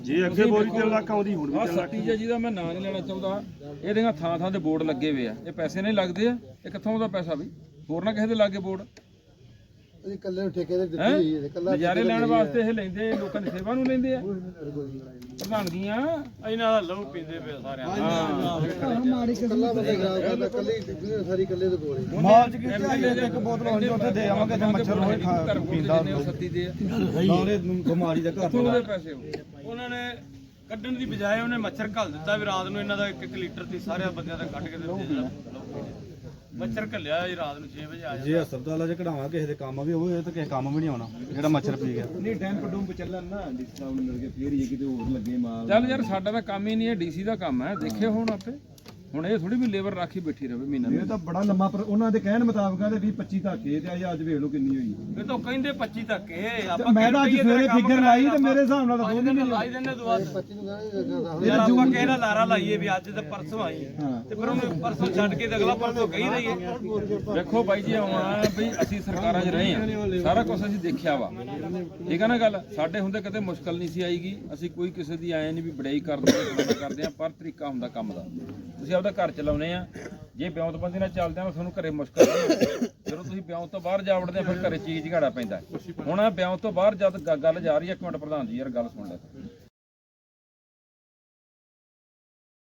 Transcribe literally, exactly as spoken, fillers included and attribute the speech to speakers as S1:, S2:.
S1: ਜੇ ਅੱਗੇ ਬੋਰੀ ਤਿੰਨ ਲੱਖ ਆਉਂਦੀ ਹੁਣ ਵੀ
S2: ਸੱਤੀ ਜਿਹਦਾ ਮੈਂ ਨਾਂ ਨਹੀਂ ਲੈਣਾ ਚਾਹੁੰਦਾ, ਇਹਦੀਆਂ ਥਾਂ ਥਾਂ ਤੇ ਬੋਰਡ ਲੱਗੇ ਹੋਏ ਆ। ਇਹ ਪੈਸੇ ਨਹੀਂ ਲੱਗਦੇ ਆ, ਇਹ ਕਿੱਥੋਂ ਦਾ ਪੈਸਾ ਵੀ ਹੋਰ ਨਾ ਕਿਸੇ ਦੇ ਲਾਗੇ ਬੋਰਡ
S3: ਇਕੱਲੇ ਨੂੰ ਠੇਕੇ ਤੇ ਦਿੱਤੀ ਹੋਈ ਹੈ। ਇਕੱਲਾ
S2: ਨਜ਼ਾਰੇ ਲੈਣ ਵਾਸਤੇ ਇਹ ਲੈਂਦੇ, ਲੋਕਾਂ ਦੀ ਸੇਵਾ ਨੂੰ ਲੈਂਦੇ ਆ। ਪ੍ਰਧਾਨਗੀਆਂ ਇਹਨਾਂ ਦਾ ਲਹੂ ਪੀਂਦੇ ਪਏ ਸਾਰਿਆਂ ਦਾ।
S3: ਮਾੜੀ ਇਕੱਲਾ ਬੰਦਾ ਖਰਾਬ ਕਰਦਾ, ਇਕੱਲੇ ਸਾਰੀ ਇਕੱਲੇ ਦੇ ਕੋਲ ਹੀ
S1: ਮਾਲ ਚ ਕੀਤੀ ਇੱਕ ਬੋਤਲ ਹੋਣੀ ਉੱਥੇ ਦੇ ਆਵਾਂਗੇ ਤੇ ਮੱਛਰ ਹੋਏ ਖਾ ਪੀਂਦਾ
S2: ਸੱਤੀ ਦੇ
S1: ਨਾਲੇ ਬਿਮਾਰੀ ਦਾ ਘਰ
S2: ਉਹਦੇ ਪੈਸੇ
S4: ਉਹਨਾਂ ਨੇ ਕੱਢਣ ਦੀ ਬਜਾਏ ਉਹਨੇ ਮੱਛਰ ਘੱਲ ਦਿੱਤਾ ਵੀ ਰਾਤ ਨੂੰ ਇਹਨਾਂ ਦਾ ਇੱਕ ਇੱਕ ਲੀਟਰ ਤੇ ਸਾਰੇ ਬੰਦਿਆਂ ਦਾ ਕੱਢ ਕੇ ਦਿੱਤੇ ਜਿਹੜਾ ਮੱਛਰ ਘੱਲਿਆ ਜੀ ਰਾਤ ਨੂੰ ਛੇ ਵਜੇ ਆ
S1: ਜੇ ਹਸਪਤਾਲਾਂ 'ਚ ਕਢਾਵਾਂ ਕਿਸੇ ਦੇ ਕੰਮ ਵੀ ਹੋਏ ਤਾਂ ਕਿਸੇ ਕੰਮ ਵੀ ਨਹੀਂ ਆਉਣਾ ਜਿਹੜਾ ਮੱਛਰ ਪੀ ਗਿਆ।
S5: ਨਹੀਂ ਡੈਂਪ ਡੂੰਪ ਚੱਲਣ ਨਾ ਡੀਸੀ ਸਾਹਿਬ ਨੂੰ ਮਿਲ ਕੇ ਫੇਰ ਹੀ ਕਿਤੇ ਹੋਰ ਲੱਗੇ ਮਾਲ।
S2: ਚੱਲ ਯਾਰ ਸਾਡਾ ਤਾਂ ਕੰਮ ਹੀ ਨਹੀਂ ਹੈ, ਡੀਸੀ ਦਾ ਕੰਮ ਹੈ। ਦੇਖਿਓ ਹੁਣ ਆਪੇ ਹੁਣ ਇਹ ਥੋੜੀ ਵੀ ਲੇਬਰ ਰਾਖੀ ਬੈਠੀ ਰਹੇ ਮਹੀਨਾ
S5: ਇਹ ਤਾਂ ਬੜਾ ਲੰਮਾ ਪਰ ਉਹਨਾਂ ਦੇ ਕਹਿਣ ਮੁਤਾਬਕ ਆ ਵੀਹ ਪੱਚੀ ਤੱਕ ਇਹ ਤੇ ਅੱਜ ਵੇਖ ਲਓ ਕਿੰਨੀ ਹੋਈ।
S4: ਇਹ ਤਾਂ ਕਹਿੰਦੇ ਪੱਚੀ ਤੱਕ ਇਹ
S5: ਤੇ ਮੈਂ ਤਾਂ ਅੱਜ ਸਵੇਰੇ ਫਿਗਰ ਲਾਈ ਤੇ ਮੇਰੇ ਹਿਸਾਬ ਨਾਲ ਤਾਂ ਦੋ ਮਹੀਨੇ
S4: ਲਾਈ ਦਿੰਦੇ ਦੁਆ
S3: ਪੱਚੀ ਨੂੰ ਕਹਿੰਦੇ
S4: ਯਾਰ ਆਪਾਂ ਕਿਸੇ ਦਾ ਲਾਰਾ ਲਾਈਏ ਵੀ ਅੱਜ ਤੇ ਪਰਸੋਂ ਆਈ ਤੇ ਫਿਰ ਉਹਨੂੰ ਪਰਸੋਂ ਛੱਡ ਕੇ ਤੇ ਅਗਲਾ ਪਰਸੋਂ ਕਹੀ ਰਹੀਏ।
S2: ਦੇਖੋ ਬਾਈ ਜੀ ਆਉਣਾ ਬਈ ਅਸੀਂ ਸਰਕਾਰਾਂ 'ਚ ਰਹੇ ਆ, ਸਾਰਾ ਕੁਝ ਅਸੀਂ ਦੇਖਿਆ ਵਾ, ਠੀਕ ਹੈ ਨਾ ਗੱਲ। ਸਾਡੇ ਹੁੰਦੇ ਕਦੇ ਮੁਸ਼ਕਲ ਨਹੀਂ ਸੀ ਆਈਗੀ। ਅਸੀਂ ਕੋਈ ਕਿਸੇ ਦੀ ਆਏ ਨਹੀਂ ਵੀ ਬੜਾਈ ਕਰਦੇ ਆ ਕਰਦੇ ਆ, ਪਰ ਤਰੀਕਾ ਹੁੰਦਾ ਕੰਮ ਦਾ। ਤੁਸੀਂ ਆਪਦਾ ਘਰ ਚਲਾਉਨੇ ਆ, ਜੇ ਬਿਉਂਤਬੰਦੀ ਨਾਲ ਚੱਲਦੇ ਆ ਤੁਹਾਨੂੰ ਘਰੇ ਮੁਸ਼ਕਲ ਨਹੀਂ। ਜਦੋਂ ਤੁਸੀਂ ਬਿਉਂਤ ਤੋਂ ਬਾਹਰ ਜਾ ਵੜਦੇ ਆ ਫਿਰ ਘਰੇ ਚੀਜ਼ ਝਾੜਾ ਪੈਂਦਾ। ਹੁਣ ਬਿਉਂਤ ਤੋਂ ਬਾਹਰ ਜਦ ਗੱਲ ਜਾ ਰਹੀ ਹੈ, ਇੱਕ ਮਿੰਟ ਪ੍ਰਧਾਨ ਜੀ ਯਾਰ ਗੱਲ ਸੁਣ ਲੈ।